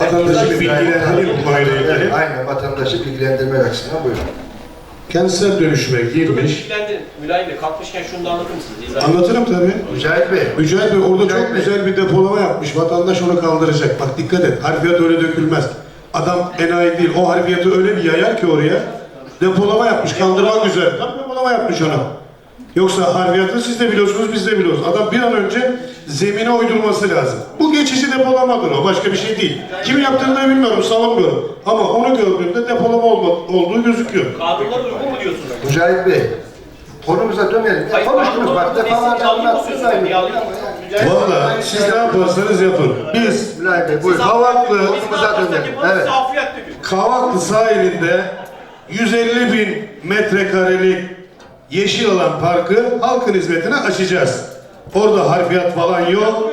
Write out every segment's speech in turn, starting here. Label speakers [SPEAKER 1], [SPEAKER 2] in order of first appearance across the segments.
[SPEAKER 1] vatandaşı bilgilendireyim bu konuyla ilgili.
[SPEAKER 2] Aynen, vatandaşı bilgilendirmek açısından buyurun.
[SPEAKER 1] Kentsel dönüşüme girmiş.
[SPEAKER 3] Bilgilendirin. Mülayim Bey kalkmışken şunu da anlatır mısınız?
[SPEAKER 1] Anlatırım tabii.
[SPEAKER 2] Mücahit Bey.
[SPEAKER 1] Mücahit Bey orada
[SPEAKER 2] Mücahit
[SPEAKER 1] çok
[SPEAKER 2] Bey.
[SPEAKER 1] güzel bir depolama yapmış. Vatandaş onu kaldıracak. Bak dikkat et. Harfiyat öyle dökülmez. Adam enayi değil. O harfiyatı öyle bir yayar ki oraya. Depolama yapmış. Kaldırmak üzere. Tabii depolama yapmış onu. Yoksa harfiyatı siz de biliyorsunuz, biz de biliyoruz. Adam bir an önce zemine uydurması lazım. Bu geçici depolamadır o. Başka bir şey değil. Kim yaptığını da bilmiyorum, savunmuyorum. Ama onu gördüğümde depolama olduğu gözüküyor.
[SPEAKER 3] Kanunlar uygun mu diyorsunuz?
[SPEAKER 2] Mücahit Bey. Konumuza dönelim. Ya, konuştunuz bak. Defalarca anlattınız aynı.
[SPEAKER 1] Valla siz ne yaparsanız yapın. Biz
[SPEAKER 2] Mülayim Bey buyurun. Konumuza dönelim. Evet.
[SPEAKER 1] Kavaklı sahilinde 150 bin metrekarelik yeşil alan parkı halkın hizmetine açacağız. Orada harfiyat falan yok.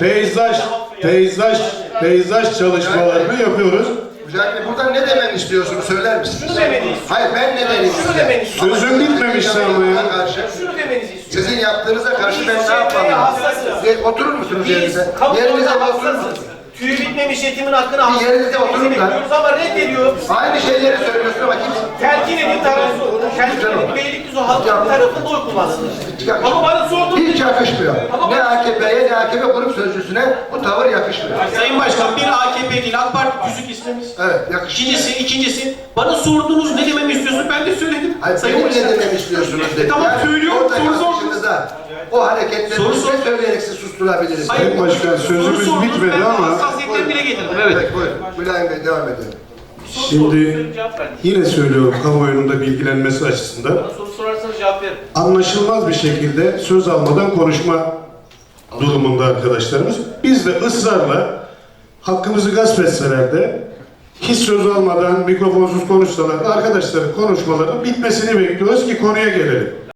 [SPEAKER 1] Peyzaj çalışmalarını yapıyoruz.
[SPEAKER 2] Mücahit Bey buradan ne demeni istiyorsunuz söyler misiniz?
[SPEAKER 3] Şunu demeni istiyorum.
[SPEAKER 2] Hayır ben ne demeni
[SPEAKER 3] Şunu demeni istiyorum.
[SPEAKER 1] Sözüm bitmemiş sanmıyor.
[SPEAKER 3] Şunu demenizi istiyorum.
[SPEAKER 2] Sizin yaptığınıza karşı ben ne yapmalıyım? Oturur musunuz yerinize?
[SPEAKER 3] Kamuoyunda
[SPEAKER 2] Yerinize bir oturur
[SPEAKER 3] hassasız.
[SPEAKER 2] musunuz?
[SPEAKER 3] Tüyü bitmemiş yetimin hakkını
[SPEAKER 2] Bir yerinize oturun da.
[SPEAKER 3] bekliyoruz ama reddediyor.
[SPEAKER 2] Aynı şeyleri söylüyorsun ama kimse...
[SPEAKER 3] Telkin edin tarafı olur. Telkin edin Beylikdüzü halkın tarafında oy kullansın. Ama bana sordun.
[SPEAKER 2] Hiç yakışmıyor. Ne AKP'ye ne AKP grup sözcüsüne bu tavır yakışmıyor.
[SPEAKER 3] Sayın Başkan bir AKP değil AK Parti küçük ismimiz.
[SPEAKER 2] Evet yakışmıyor.
[SPEAKER 3] İkincisi bana sordunuz ne dememi istiyorsun ben de söyledim.
[SPEAKER 2] Hayır,
[SPEAKER 3] Sayın
[SPEAKER 2] benim
[SPEAKER 3] Başkan.
[SPEAKER 2] ne dememi istiyorsunuz dedi.
[SPEAKER 3] Tamam söylüyorum
[SPEAKER 2] orada
[SPEAKER 3] soru sordunuz.
[SPEAKER 2] karşınızda o hareketleri söyleyerek sizi susturabiliriz.
[SPEAKER 1] Sayın Başkan sözümüz bitmedi ama
[SPEAKER 3] Hassasiyetleri bile getirdim.
[SPEAKER 2] Evet buyurun. Mülayim Bey devam edelim.
[SPEAKER 1] şimdi yine söylüyorum kamuoyunun da bilgilenmesi açısından
[SPEAKER 3] Bana soru sorarsanız cevap veririm.
[SPEAKER 1] anlaşılmaz bir şekilde söz almadan konuşma durumunda arkadaşlarımız. Biz de ısrarla hakkımızı gasp etseler de hiç söz almadan mikrofonsuz konuşsalar da arkadaşların konuşmalarının bitmesini bekliyoruz ki konuya gelelim.